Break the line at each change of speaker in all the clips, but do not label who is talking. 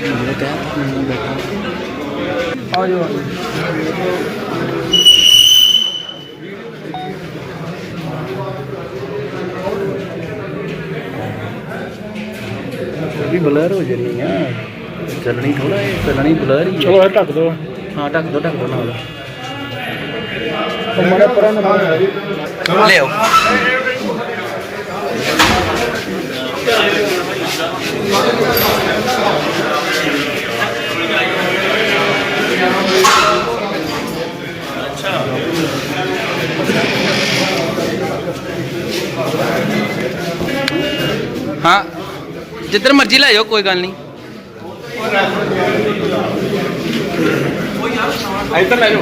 ਆ ਜਾਓ भी ब्लर हो जा रही है चलनी थोड़ा चलनी ब्लर ही चलो ढक दो हाँ ढक दो ना ले आओ हाँ जिधर मर्जी लै जाओ कोई गल नहीं इधर लै जाओ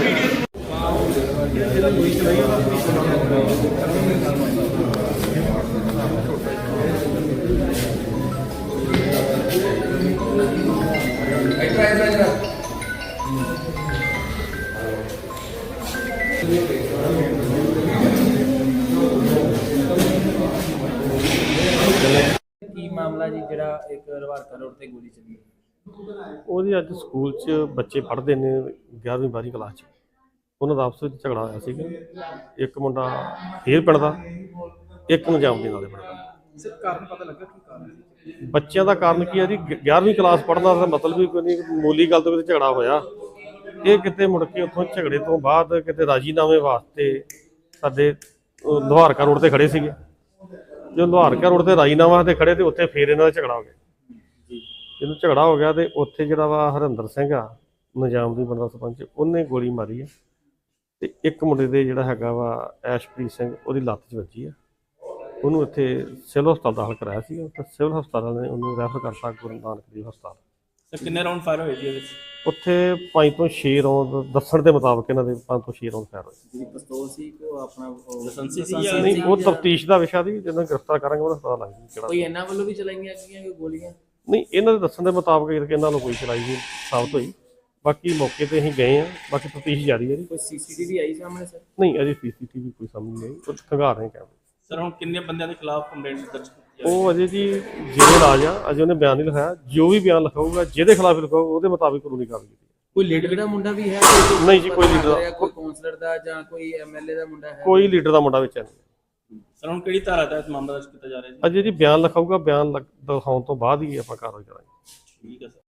ਕੀ ਮਾਮਲਾ ਜੀ ਜਿਹੜਾ ਇੱਕ ਰਵਾਰਕਾ ਰੋਡ ਤੇ ਗੋਲੀ ਚੱਲੀ
ਉਹਦੀ ਅੱਜ ਸਕੂਲ 'ਚ ਬੱਚੇ ਪੜ੍ਹਦੇ ਨੇ 11ਵੀਂ 12ਵੀਂ ਕਲਾਸ 'ਚ ਉਹਨਾਂ ਦਾ ਆਪਸ ਵਿੱਚ ਝਗੜਾ ਹੋਇਆ ਸੀਗਾ। ਇੱਕ ਮੁੰਡਾ ਫੇਰ ਪਿੰਡ ਦਾ, ਇੱਕ ਨਜਾਮ ਦੇ ਨਾਲੇ ਪਿੰਡ ਦਾ।
ਸਰ ਕਾਰਨ ਪਤਾ ਲੱਗਾ ਕੀ ਕਾਰਨ ਸੀ?
ਬੱਚਿਆਂ ਦਾ ਕਾਰਨ ਕੀ ਹੈ ਜੀ, 11ਵੀਂ ਕਲਾਸ ਪੜ੍ਹਨਾ ਦਾ ਮਤਲਬ ਵੀ ਕੋਈ ਨਹੀਂ, ਮਾਮੂਲੀ ਗੱਲ ਤੋਂ ਕਿਤੇ ਝਗੜਾ ਹੋਇਆ। ਇਹ ਕਿਤੇ ਮੁੜ ਕੇ ਉੱਥੋਂ ਝਗੜੇ ਤੋਂ ਬਾਅਦ ਕਿਤੇ ਰਾਜੀਨਾਮੇ ਵਾਸਤੇ ਸਾਡੇ ਲੁਹਾਰਕਾ ਰੋਡ ਤੇ ਖੜੇ ਸੀਗੇ। ਜੋ ਲੁਹਾਰਕਾ ਰੋਡ ਤੇ ਰਾਜੀਨਾਮਾ ਤੇ ਖੜੇ ਤੇ ਉੱਥੇ ਫੇਰ ਇਹਨਾਂ ਦਾ ਝਗੜਾ ਹੋ ਗਿਆ। ਜਦੋਂ ਝਗੜਾ ਹੋ ਗਿਆ ਤੇ ਉੱਥੇ ਜਿਹੜਾ ਵਾ ਹਰਿੰਦਰ ਸਿੰਘ ਆ ਨਿਜ਼ਾਮ ਦੀ ਬੰਦਾ ਸਰਪੰਚ, ਉਹਨੇ ਗੋਲੀ ਮਾਰੀ ਆ ਤੇ ਇੱਕ ਮੁੰਡੇ ਦੇ ਜਿਹੜਾ ਹੈਗਾ ਵਾ ਐਸ਼ਪ੍ਰੀਤ ਸਿੰਘ, ਉਹਦੀ ਲੱਤ 'ਚ ਵੱਜੀ ਆ। ਉਹਨੂੰ ਇੱਥੇ ਸਿਵਲ ਹਸਪਤਾਲ ਦਾਖਲ ਕਰਾਇਆ ਸੀਗਾ ਤੇ ਸਿਵਲ ਹਸਪਤਾਲ ਨੇ ਉਹਨੂੰ ਰੈਫਰ ਕਰਤਾ ਗੁਰੂ ਨਾਨਕ ਦੇਵ ਹਸਪਤਾਲ।
ਸਰ ਕਿੰਨੇ ਰਾਉਂਡ ਫਾਇਰ ਹੋਏ ਜੀ ਇਹਦੇ ਵਿੱਚ?
ਉੱਥੇ 5 ਤੋਂ 6 ਰੌਂਦ ਦੱਸਣ ਦੇ ਮੁਤਾਬਕ ਇਹਨਾਂ ਦੇ 5 ਤੋਂ 6 ਰੌਂਦ ਫਾਇਰ ਹੋਏ।
ਜਿਹੜੀ ਪਿਸਤੌਲ ਸੀ ਕੋ ਆਪਣਾ ਲਾਇਸੈਂਸੀ ਸੀ
ਨਹੀਂ, ਉਹ ਤਫਤੀਸ਼ ਦਾ ਵਿਸ਼ਾ ਦੀ, ਜਦੋਂ ਗ੍ਰਿਫਤਾਰ ਕਰਾਂਗੇ ਉਹਦਾ ਪਤਾ ਲੱਗ ਜੂ ਕਿਹੜਾ।
ਕੋਈ ਇਹਨਾਂ ਵੱਲੋਂ ਵੀ ਚਲਾਈਆਂ ਗਈਆਂ ਕੋਈ ਗੋਲੀਆਂ?
ਨਹੀਂ, ਇਹਨਾਂ ਦੇ ਦੱਸਣ ਦੇ ਮੁਤਾਬਕ ਇਹਨਾਂ ਨੂੰ ਕੋਈ ਚਲਾਈ ਨਹੀਂ ਸਾਬਤ ਹੋਈ। ਬਾਕੀ ਮੌਕੇ ਤੇ ਅਸੀਂ ਗਏ ਆ, ਬਾਕੀ ਤਫਤੀਸ਼ ਜਾਰੀ ਹੈ ਜੀ।
ਕੋਈ ਸੀਸੀਟੀਵੀ ਆਈ ਸਾਹਮਣੇ ਸਰ?
ਨਹੀਂ, ਅਜੇ ਸੀਸੀਟੀਵੀ ਕੋਈ ਸਾਹਮਣੇ ਨਹੀਂ ਆਈ, ਉਹ ਖੰਗਾਰ ਰਹੇ ਕੈਮਰੇ।
ਸਰ ਹੁਣ ਕਿੰਨੇ ਬੰਦਿਆਂ ਦੇ ਖਿਲਾਫ ਕੰਪਲੇਂਟ ਦਰਜ ਕੀਤੀ
ਉਹ ਅਜੇ ਜੀ ਜਿਹੜੇ ਰਾਜ ਆ, ਅਜੇ ਉਹਨੇ ਬਿਆਨ ਨਹੀਂ ਲਿਖਾਇਆ। ਜੋ ਵੀ ਬਿਆਨ ਲਿਖਾਊਗਾ, ਜਿਹਦੇ ਖਿਲਾਫ ਲਿਖਾਊਗਾ, ਉਹਦੇ ਮੁਤਾਬਿਕ ਕਾਨੂੰਨੀ ਕਾਰਵਾਈ ਕੀਤੀ।
ਕੋਈ ਲੀਡਰ ਦਾ ਮੁੰਡਾ ਵੀ ਹੈ?
ਨਹੀਂ ਜੀ, ਕੋਈ ਲੀਡਰ ਦਾ,
ਕੋਈ ਕਾਉਂਸਲਰ ਦਾ ਜਾਂ ਕੋਈ ਐਮਐਲਏ ਦਾ ਮੁੰਡਾ ਹੈ?
ਕੋਈ ਲੀਡਰ ਦਾ ਮੁੰਡਾ ਵਿੱਚ ਨਹੀਂ।
ਸਰ ਹੁਣ ਕਿਹੜੀ ਧਾਰਾ ਤਹਿਤ ਮਾਮਲਾ ਦਰਜ ਕੀਤਾ ਜਾ ਰਿਹਾ ਜੀ?
ਅਜੇ ਜੀ ਬਿਆਨ ਲਿਖਾਊਗਾ, ਬਿਆਨ ਦਿਖਾਉਣ ਤੋਂ ਬਾਅਦ ਹੀ ਆਪਾਂ ਕਾਰਵਾਈ ਕਰਾਂਗੇ।
ਠੀਕ ਹੈ ਸਰ।